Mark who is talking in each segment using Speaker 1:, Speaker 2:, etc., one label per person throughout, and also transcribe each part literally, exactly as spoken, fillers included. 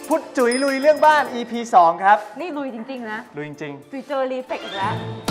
Speaker 1: พุทธจุ๋ยลุยเรื่องบ้าน อี พี สองครับ
Speaker 2: นี่ลุยจริงๆนะ
Speaker 1: ลุยจริง
Speaker 2: ๆจุ๋ยเจอรีเฟกอีกแล้ว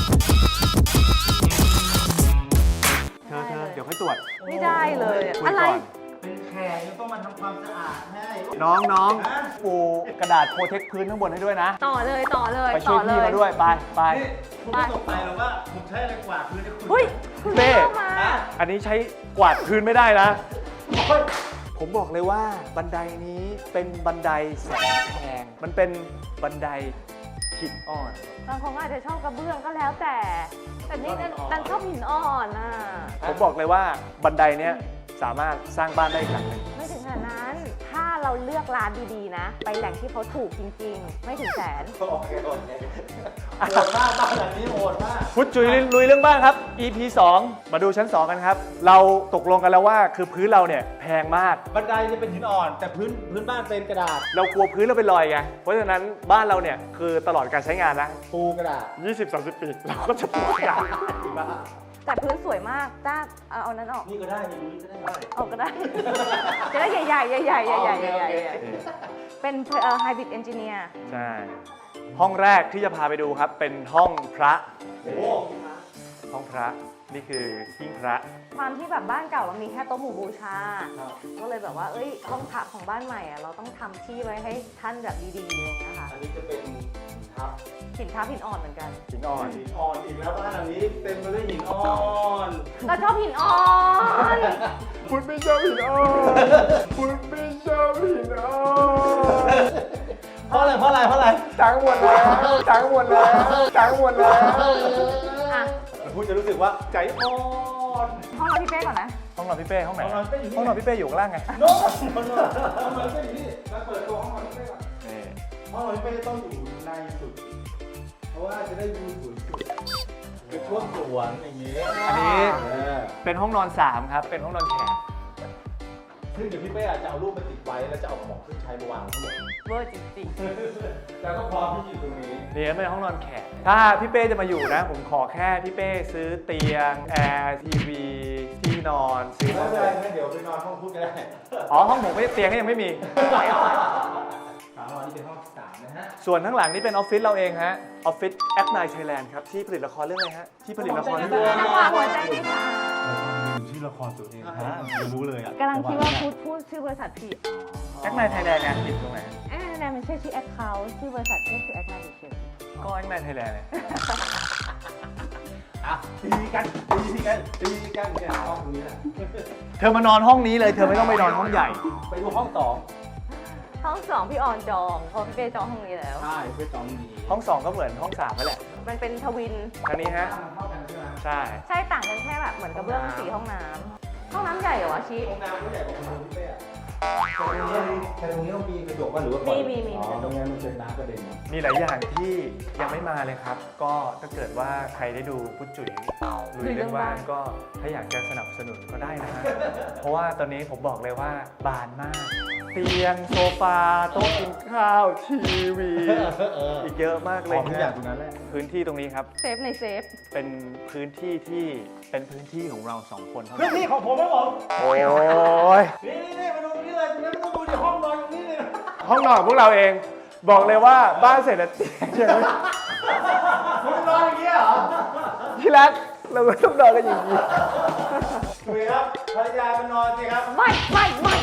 Speaker 1: เธอเธอเดี๋ยวค่อยตรวจ
Speaker 2: ไม่ได้เลยอะไร
Speaker 3: เป็นแขกยังต้องมาทำความสะอาดให้
Speaker 1: น้องน้องปูกระดาษโปรเทคพื้นข้างบนให้ด้วยนะ
Speaker 2: ต่อเลยต่อเลย
Speaker 1: ไปช่วยพี่มาด้วยไปไป
Speaker 3: คุณไม่ตกใจหรอกว่าผมใช้อะไรกวาดพื้นให้คุณ
Speaker 2: เฮ้ย
Speaker 1: เป้อันนี้ใช้กวาดพื้นไม่ได้นะผมบอกเลยว่าบันไดนี้เป็นบันไดแสนแพงมันเป็นบันไดหินอ่อน
Speaker 2: บางคนอาจจะชอบกระเบื้องก็แล้วแต่แต่นี่ดันชอบหินอ่อนอ่ะ
Speaker 1: ผมบอกเลยว่าบันไดเนี้ยสามารถสร้างบ้านได้อีกหลังหนึ่ง
Speaker 2: ไม่ถึงขนาดนั้นถ้าเราเลือกร้านดีๆนะไปแหล่งที่เขาถูกจริงๆไม่ถึงแสน
Speaker 3: โอเคโอเคโหดมากบ้านหลังนี้โหดมาก
Speaker 1: พุทธจุ๋ยลุยเรื่องบ้านครับ อี พี สองมาดูชั้นสองกันครับเราตกลงกันแล้วว่าคือพื้นเราเนี่ยแพงมาก
Speaker 3: บันไดนี่เป็นหินอ่อนแต่พื้นพื้นบ้านเป็นกระดาษ
Speaker 1: เรากลัวพื้นเราเป็นรอยไงเพราะฉะนั้นบ้านเราเนี่ยคือตลอดการใช้งานนะ
Speaker 3: ปูกระดาษ
Speaker 1: ยี่สิบ สามสิบ ปีเราก็จะปูกระดาษ
Speaker 2: แต่พื้นสวยมากจ้าเอาเอานั้นออก
Speaker 3: นี่ก็ได้นี่ดูนี่ก็ได้
Speaker 2: ออกก็ได้จะได้ใหญ่ๆใหญ่ๆใหญ่ๆใหญ่ๆใหญ่ๆเป็นเอ่อไฮบริดเอนจิเนียร์
Speaker 1: ใช่ห้องแรกที่จะพาไปดูครับเป็นห้องพระห้องพระนี่คือหิ้งพระ
Speaker 2: ความที่แบบบ้านเก่าเรามีแค่โต๊ะหมู่บูชาก็เลยแบบว่าเอ้ยห้องพระของบ้านใหม่อ่ะเราต้องทำที่ไว้ให้ท่านแบบดีๆอะไรอย่างเงี้ยค่ะ
Speaker 3: อันนี้จะเป็นทับ
Speaker 2: หินทับหินอ่อนเหมือนกัน
Speaker 1: หินอ่อน
Speaker 3: หินอ่อนอีกแล้วบ้านหลังนี้เต็มไปด้วยหินอ่อน
Speaker 2: ก็ชอบหินอ่อน
Speaker 1: คุณไม่ชอบหินอ่อนคุณไม่ชอบหินอ่อน
Speaker 3: เพราะอะไรเพราะอะไรเพราะอะไร
Speaker 1: ทั้งหมดแล้วทั้งหมดแล้วทั้งหมดแล้ว
Speaker 2: อ่ะ
Speaker 3: พูดจะรู้สึกว่าใจอ่อน
Speaker 2: ห้องนอนพี่เป้ก่อนนะ
Speaker 1: ห้องนอนพี่เป้ห้องไหนห้องนอนพี่เป้อยู่ข้างล่างไง
Speaker 3: โน้ตห้องนอนห้องนอนพี่เป้อยู่นี่มาเปิดตัวห้องนอนพี่เป้ก่อนนี่ห้องนอนพี่เป้ต้องอยู่ในสุดเพราะว่าจะได้วิวสวยสุดคือช่วงสวนอย่างนี้
Speaker 1: อันนี้เป็นห้องนอนสามครับเป็นห้องนอนแขก
Speaker 3: ซึ่งเดี๋ยวพี่เป้อาจจะเอารูปมาติดไว้แล้วจะเอาของขึ้นใช้มาวางทั้งหมด
Speaker 2: เวอร์จริง
Speaker 3: ๆแต่ก็พร้อมที่อยู่ตรงนี้
Speaker 1: นี่เป็นห้องนอนแขกถ้าพี่เป้จะมาอยู่นะผมขอแค่พี่เป้ซื้อเตียงแอร์ทีวีที่นอนซื้อ
Speaker 3: ไม่เป็นไรงั้นเดี๋ยวไปนอนห้องพุทธก็ได้
Speaker 1: อ๋อห้องผมไม่เตียงก็ยังไม่มี
Speaker 3: ถามว่านี่เป็นห้องสามนะฮะ
Speaker 1: ส่วนข้างหลังนี่เป็นออฟฟิศเราเองฮะออฟฟิศแอปไนท์ไทยแลนด์ครับที่ผลิตละครเรื่องอะไรฮะที่ผลิตละครเรื่อง
Speaker 2: จังหวะหัวใจพี่ค่ะ
Speaker 3: ชื่อละครตัวเองฮะรู้เลยอ่ะ
Speaker 2: กำลังคิดว่าพูดพูดชื่อบริษัทผิด
Speaker 1: แอปไนท์ไทยแลนด์เนี่ยผิดตรงไหน
Speaker 2: แอปไนท์ไทยแลนด์มันใช่ชื่อแอคเคาท์ชื่อบริษัทแค่ชื่อแอปไนท์เฉย
Speaker 1: ก็แอปไนท์ไทยแลนด์เนี่ย
Speaker 3: อ่ะตีกันตีกันตีกันเนี่ยห้องนี้แหละ
Speaker 1: เธอมานอนห้องนี้เลยเธอไม่ต้องไปนอนห้องใหญ่
Speaker 3: ไปดูห้องสอง
Speaker 2: ห้องสองพี่ออนจองเพราะพี่เป้จองห้องนี้แล้ว
Speaker 3: ใช่พี่จองดี
Speaker 1: ห้องสองก็เหมือนห้องสามนั่นแหละ
Speaker 2: มันเป็นทวิน
Speaker 1: ทางนี้ฮะใช่
Speaker 2: ใช่ต่างกันแค่แบบเหมือนกระเบื้องสีห้องน้ำห้องน้ำใหญ่เหรอวะชี้
Speaker 3: ห้องน้ำก็ใหญ่กว่าคอนโดพี่เป้อะแต่ตรงนี้ต้องมีกระจกป่ะหรือว่า
Speaker 2: มีมีมี
Speaker 3: ตรงนี้มันเป็นน้ำกระเด็น
Speaker 1: มีหลายอย่างที่ยังไม่มาเลยครับก็ถ้าเกิดว่าใครได้ดูพุทธจุ๋ยลุยเรื่องบ้านก็ถ้าอยากจะสนับสนุนก็ได้นะฮะเพราะว่าตอนนี้ผมบอกเลยว่าบานมากเตียงโซฟาโต๊ะกินข้าวทีวีอีกเยอะมากเลย
Speaker 3: ทุกอย่างตรงนั้นแหละ
Speaker 1: พื้นที่ตรงนี้ครับ
Speaker 2: เซฟในเซฟ
Speaker 1: เป็นพื้นที่ที่เป็นพื้นที่ของเราสองคนเท่านั้น
Speaker 3: พื้นที่ของผมไม่ผม
Speaker 1: โอ้ย
Speaker 3: นี่นี่มาดูนี่เลยตรงนี้ไม่ต้องดูดิห้องนอนตรงนี้เลย
Speaker 1: ห้องนอนพวกเราเองบอกเลยว่าบ้านเสร็จแล้วเตียงใช่ไหม
Speaker 3: คุณนอนอย่างนี้เหรอ
Speaker 1: ที่รักเราไม่ต้องนอนกันอย่างนี้
Speaker 3: คุยครับภรรยามานอนสิครับ
Speaker 2: ไม่ไม่ไม่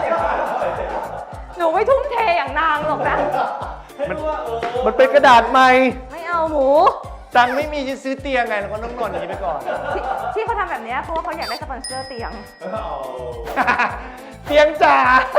Speaker 2: หนูไม่ทุ่มเทอย่างนางหรอกนะ
Speaker 1: มันมันเป็นกระดาษใหม่
Speaker 2: ไม่เอาหมู
Speaker 1: ตังค์ไม่มีจะซื้อเตียงไงเราก็ต้องนอนอย่างนี้ไปก่อน
Speaker 2: ที่เขาทำแบบนี้เพราะว่าเขาอยากได้สปอนเซอร์เตียง
Speaker 1: เตียงจ๋า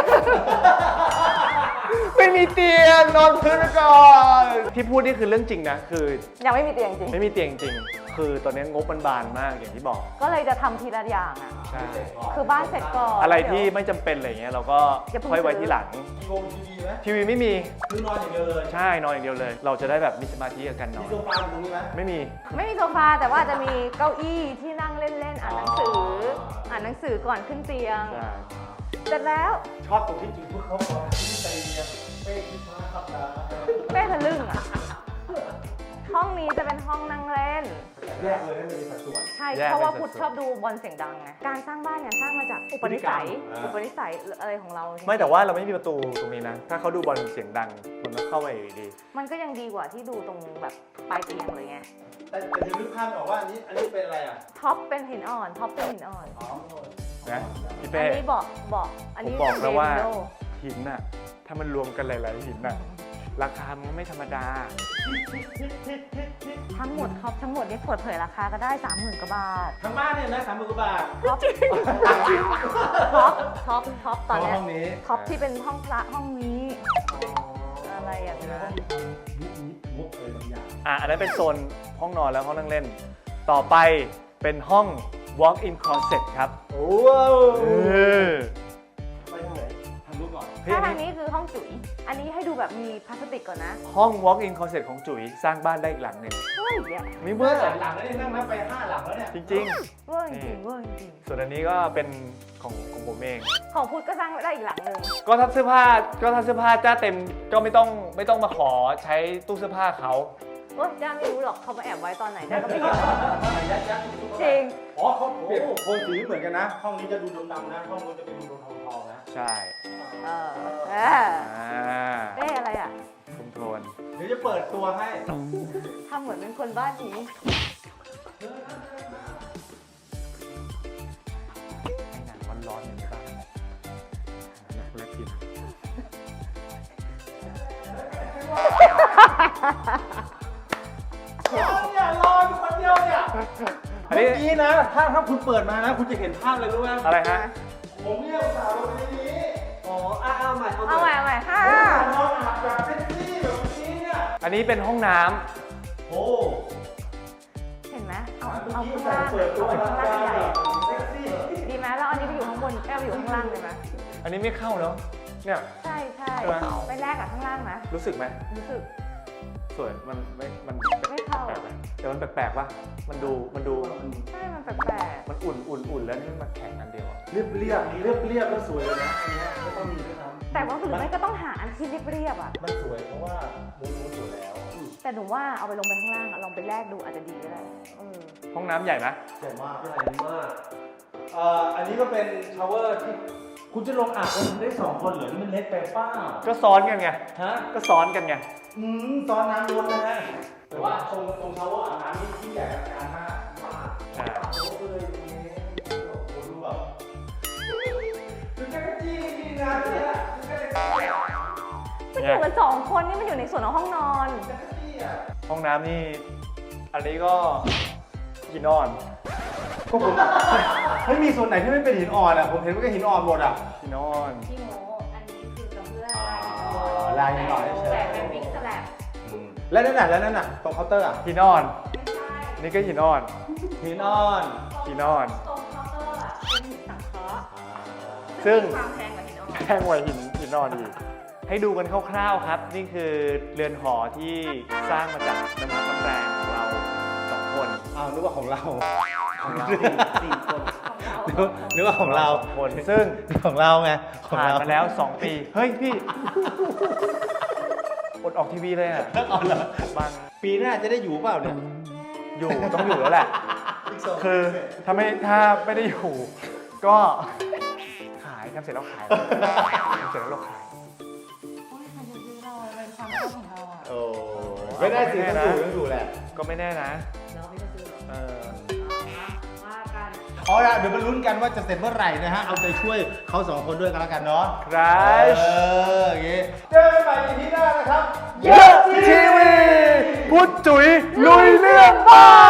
Speaker 1: ไม่มีเตียงนอนพื้นไปก่อนที่พูดนี่คือเรื่องจริงนะคือ
Speaker 2: ยังไม่มีเตียงจริง
Speaker 1: ไม่มีเตียงจริงคือตอนนี้งบมันบานมากอย่างที่บอก
Speaker 2: ก็เลยจะทำทีละอย่างอ่ะ
Speaker 1: ใช่
Speaker 2: คือบ้านเสร็จก่อน
Speaker 1: อะไรที่ไม่จำเป็นอะไรเงี้ยเราก็ค่อยไว้ที่หลัง
Speaker 3: ทีวีไหม
Speaker 1: ทีวีไม่มี
Speaker 3: คือนอนอย่างเดียวเลย
Speaker 1: ใช่นอนอย่างเดียวเลยเราจะได้แบบมีสมาธิกับการนอน
Speaker 3: มีโซฟาตรงนี้ไหม
Speaker 1: ไม่มี
Speaker 2: ไม่มีโซฟาแต่ว่าจะมีเก้าอี้ที่นั่งเล่นๆอ่านหนังสืออ่านหนังสือก่อนขึ้นเตียงเสร็จแล้ว
Speaker 3: ชอบตรงที่จุดพวกเขาบอกที่เตียงเป้คิดมากครับนะ
Speaker 2: เป้ทะลึ่งอ่ะชห้องนี้จะเป็นห้องนั่งเล่น
Speaker 3: แยกเลยให้มันมีสัดส่วน
Speaker 2: ใช่
Speaker 1: แยก
Speaker 2: เพราะว่า
Speaker 1: เป็น
Speaker 2: พุทธ
Speaker 1: สัดส่วน
Speaker 2: ชอบดูบอลเสียงดังไง การสร้างบ้านเนี่ยสร้างมาจากอุปนิสัย
Speaker 3: อ่า
Speaker 2: อุปนิสัยอะไรของเรา
Speaker 1: ไม่แต่ว่าเราไม่มีประตูตรงนี้นะ ถ้าเขาดูบอลเสียงดังมันก็เข้าไปอยู่ดี
Speaker 2: มันก็ยังดีกว่าที่ดูตรงแบบปลายเตียงเลยไง
Speaker 3: แต่แต่จะนึกภาพออกว่าอันนี้อันนี้เป็นอะไรอ่ะ
Speaker 2: ท็อปเป็นหินอ่อน ท็อปเป็นหินอ่อน
Speaker 3: อ๋อ
Speaker 1: นะพี่
Speaker 2: อั
Speaker 1: เป้
Speaker 2: นนี้บอกบอกอัน
Speaker 1: ผม
Speaker 2: นี้
Speaker 1: บอกแล้วว่า
Speaker 2: เรนโด
Speaker 1: หินน่ะถ้ามันรวมกันหลาย ๆ หินน่ะราคามันก็ไม่ธรรมดา
Speaker 2: ทั้งหมดท็อปทั้งหมดนี่เปิดเผยราคาก็ได้สามหมื่นกว่าบาท
Speaker 3: ทั้งบ้านเนี่ยนะสามหมื่นกว่าบาท
Speaker 2: ท็อปท็อปท็อปท็อปตอนเนี้ย
Speaker 3: ห้องนี้
Speaker 2: ท็อปที่เป็นห้องพระห้องนี้ อะไรอย่างเงี้ย
Speaker 3: มุกอะไรบางอย่าง
Speaker 1: อ่ะอันนั้นเป็นโซนห้องนอนแล้วห้องนั่งเล่น ต่อไปเป็นห้อง walk-in closet ครับ
Speaker 3: โอ้
Speaker 1: เออ
Speaker 3: ไปทางไหนทางนู้นก่อน
Speaker 1: เฮ้ย
Speaker 2: ถ้า
Speaker 1: อัน
Speaker 2: ทาง
Speaker 1: นี้
Speaker 2: นี้คือห้องจุ๋ย อันนี้ให้ดูแบบมีพลาสติกก่อนนะ
Speaker 1: ห้อง walk-in closet ของจุ๋ยสร้างบ้านได้อีกหลังหนึ่ง
Speaker 2: เฮ้ยเนี่ย
Speaker 1: มี
Speaker 3: เมื่
Speaker 1: เมื่
Speaker 3: อ
Speaker 1: อ
Speaker 3: หลังหลังแล้วเนี่ยนั่งนับไปห้าหลังแล้วเนี่ย
Speaker 1: จริง
Speaker 2: เว้ยจริงเว้ยจริง
Speaker 1: ๆ ส่วนอันนี้ก็เป็นของของผมเอง
Speaker 2: ของพุทธก็สร้างได้อีกหลังหนึ่ง
Speaker 1: ก็ถ้าเสื้อผ้าก็ถ้าเสื้อผ้าจ้าเต็มก็ไม่ต้องไม่ต้องมาขอใช้ตู้เสื้อผ้าเขา
Speaker 2: โอ๊ยจ้าไม่รู้หรอกเขามาแอบไว้ตอนไหนได้ก็ไม่รู้
Speaker 3: ยัดยัด
Speaker 2: จริง
Speaker 3: อ๋อเขาเปลี่ยนโทนสีเหมือนกันนะ ห้องนี้จะดูดำๆนะ ห้องนู้นจะเป็นดูทองๆนะ
Speaker 1: ใช่
Speaker 2: เออเออ
Speaker 1: อ่า
Speaker 2: เอ๊ะอะไรอ่ะ
Speaker 1: คุมโทน
Speaker 3: เดี๋ยวจะเปิดตัวให้
Speaker 2: ทำเหมือนเป็นคนบ้านนี้
Speaker 1: ให้หนังร้อนๆอย่างนี้บ้างหนังคนละกิน
Speaker 3: อย่ารออยู่คนเดียวเนี่ย
Speaker 1: อัน
Speaker 3: เมื่
Speaker 1: นี้
Speaker 3: อกี้นะ ถ้าถ้าคุณเปิดมานะ คุณจะเห็นภาพเลยรู้ไหม
Speaker 1: อะไรฮะ
Speaker 3: ผมเนี่ยอุตส่าห์ลงไปในนี้ อ๋ออ้าวใหม่
Speaker 2: เอาใหม่เอาใหม่ห้า
Speaker 3: นอนอาบแบบเซ็กซี่แบบนี้เนี่ย
Speaker 1: อันนี้เป็นห้องน้ำ
Speaker 3: โอ้
Speaker 2: เห็นไหมเอา
Speaker 3: เมื่อ
Speaker 2: เอา
Speaker 3: กี้
Speaker 2: ข้าง
Speaker 3: ใส่
Speaker 2: ล่าง
Speaker 3: เปิดตัว
Speaker 2: เอา
Speaker 3: มา
Speaker 2: ข้างล่างใหญ่
Speaker 3: เซ็กซี่
Speaker 2: ดีไหมแล้วอันนี้ไปอยู่ข้างบนแก้วไปอยู่ข้างล่างเลยไหม
Speaker 1: อันนี้ไม่เข้าเนาะเนี่ย
Speaker 2: ใช่ใช่
Speaker 1: ใช่ไหม
Speaker 2: ไปแลกกับข้างล่างนะ
Speaker 1: รู้สึกไหม
Speaker 2: รู้สึก
Speaker 1: สวยมันไม่มัน
Speaker 2: ไม่เข้า
Speaker 1: แปลกๆไหมแต่มันแปลกๆป่ะมันดูมันดู
Speaker 2: ใช่ มันแปลก
Speaker 1: มันอุ่นอุ่นอุ่นแล้วนี่มันมาแข็งอันเดียวอะ
Speaker 3: เรียบเรียบเรียบเรียบแล้วสวยเลยนะอันเนี้ยไม่ต้องมีด้วยซ้
Speaker 2: ๆแต่ว่าหรือไม่ก็ต้องหาอันที่เรียบๆอ่ะ
Speaker 3: ำมันสวยเพราะว่ามูนมูนสวยแล้ว
Speaker 2: แต่หนูว่าเอาไปลงไปข้างล่างอะลองไปแลกดูอาจจะดีก็ได้เออ
Speaker 1: ห้องน้ำใหญ่ไหม
Speaker 3: ใหญ่มากใหญ่มากเอ่ออันนี้ก็เป็นชาวเวอร์ที่คุณจะลงอาบกันได้สองคนเหรอนี่มันเล็กไปเป้า
Speaker 1: ก็ซ้อนกันไง
Speaker 3: ฮะ
Speaker 1: ก็ซ้อนกันไง
Speaker 3: อืมตอนน้ำล้นนะฮะแต่ว่าตรงตรงชาวเวอร์อาบน้ำนี่ที่ใหญ่อลังการมากมาก
Speaker 1: อ่า
Speaker 3: โอ้โหเลยโอ้โหดูแบบดูแค่จี้นี่นะเนี่ยดูแค่จี้อะ
Speaker 2: มันอยู่กันสองคนนี่มันอยู่ในส่วนของห้องนอน
Speaker 3: ดูแค่จี้อะ
Speaker 1: ห้องน้ำนี่ อันนี้ก็หินอ่อน
Speaker 3: ก็ผมไม่มีส่วนไหนที่ไม่เป็นหินอ่อนอ่ะผมเห็นว่าก็หินอ่อนหมดอ่ะ
Speaker 1: หินอ่อน
Speaker 2: พี่โมอันนี้คือกระเบื้อง
Speaker 3: อ๋อลายหินอ่อนเฉย
Speaker 2: แต่เป็นบิ๊กสแลบ
Speaker 3: แล้วนั่นน่ะแล้วนั่นน่ะตรงเคาน์เตอร์อ่ะ
Speaker 1: หินอ่อน
Speaker 2: ไม่ใช่
Speaker 1: นี่ก็หินอ่อน
Speaker 3: หินอ่อน
Speaker 1: หินอ่อน
Speaker 2: ตรงเคาน์เตอร์อะเป็นหินสังเคราะห์
Speaker 1: ซึ่ง
Speaker 2: ความแพงกว่าหินอ่อน
Speaker 1: แพงกว่าหินหินอ่อนอีก ให้ดูกันคร่าวๆครับ นี่คือเรือนหอที่สร้างมาจากน้ำพักน้ำแรงของเราสองคน
Speaker 3: อ้าวนึกว่าของเรา
Speaker 1: ของเรา
Speaker 3: สี่คน
Speaker 2: ของเรา
Speaker 3: นึกว่านึกว่าของเรา
Speaker 1: สองคน ซึ่ง
Speaker 3: ของเราไงของ
Speaker 1: ผ่าน
Speaker 3: เรา
Speaker 1: มาแล้วสองปี เฮ้ยพี่ อดออกทีวีเลยอ่ะ
Speaker 3: เอาเหรอ
Speaker 1: บาง
Speaker 3: ปีหน้าจะได้อยู่เปล่าเนี่ย
Speaker 1: อยู่ต้องอยู่แล้วแหละ คือถ้าไม่ถ้าไม่ได้อยู่ ก็ขายทำเสร็จแล้วขายทำเสร็จแล้วเราขาย
Speaker 2: โอ้ยใครจะซื้อเราเป็นความชอบของเราอ่ะ
Speaker 3: โอ้ไม่ได้สิต้องอยู่ต้องอยู่แหละ
Speaker 1: ก็ไม่แน่นะ
Speaker 2: เราไม่จะซื้อหรอก
Speaker 1: เออ
Speaker 2: ว่ากัน
Speaker 3: เอาละเดี๋ยวมาลุ้นกันว่าจะเสร็จเมื่อไหร่นะฮะเอาใจช่วยเขาสองคนด้วยกันแล้วกันเนาะ
Speaker 1: ครั
Speaker 3: เอบ ออย่างงี้เจอกันใหม่ อี พี หน้านะครับ
Speaker 1: เยอะทีวีพุทธจุ๋ยลุยเรื่องบ้าน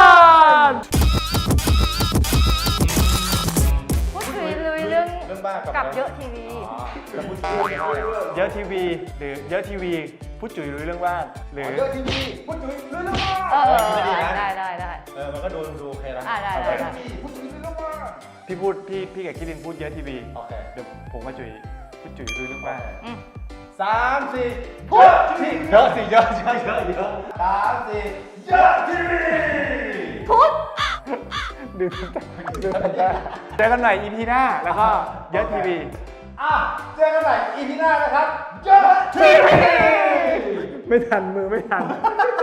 Speaker 2: พูดคุยลุยเรื่อง
Speaker 3: เรื่องบ้าน
Speaker 2: กับเยอะทีวี
Speaker 3: อ๋อแล้วพูดคุยเรื่อง
Speaker 1: เยอะทีวีหรือเยอะทีวีพุทธจุ๋ยลุยเรื่องบ้านหรือ
Speaker 3: เยอะทีวีพูดคุยเรื่องบ้าน
Speaker 2: เออ
Speaker 3: ดีนะ
Speaker 2: ได้ได้ได้
Speaker 3: เออมันก็ดูดูโอเคแล้ว
Speaker 2: อ่าได้ได้ได้
Speaker 3: พูดคุยเรื่องบ้าน
Speaker 1: พี่พูดพี่พี่กับคิรินพูดเยอะทีวี
Speaker 3: โอเค
Speaker 1: เดี๋ยวผมกับจุ๋ยพุทธจุ๋ยลุยเรื่องบ้าน
Speaker 2: อืม
Speaker 3: สามสี่พูดทีเยอะสิเยอะเยอะเยอะเยอะสามสี่เยอะทีวี
Speaker 2: พุทธ
Speaker 1: ดื่มดื่มได้เจอกันใหม่ อี พี หน้าแล้วก็เยอะทีวี
Speaker 3: อ่ะเจอกันใหม่ อี พี หน้านะครับเยอะทีวี
Speaker 1: ไม่ทันมือไม่ทัน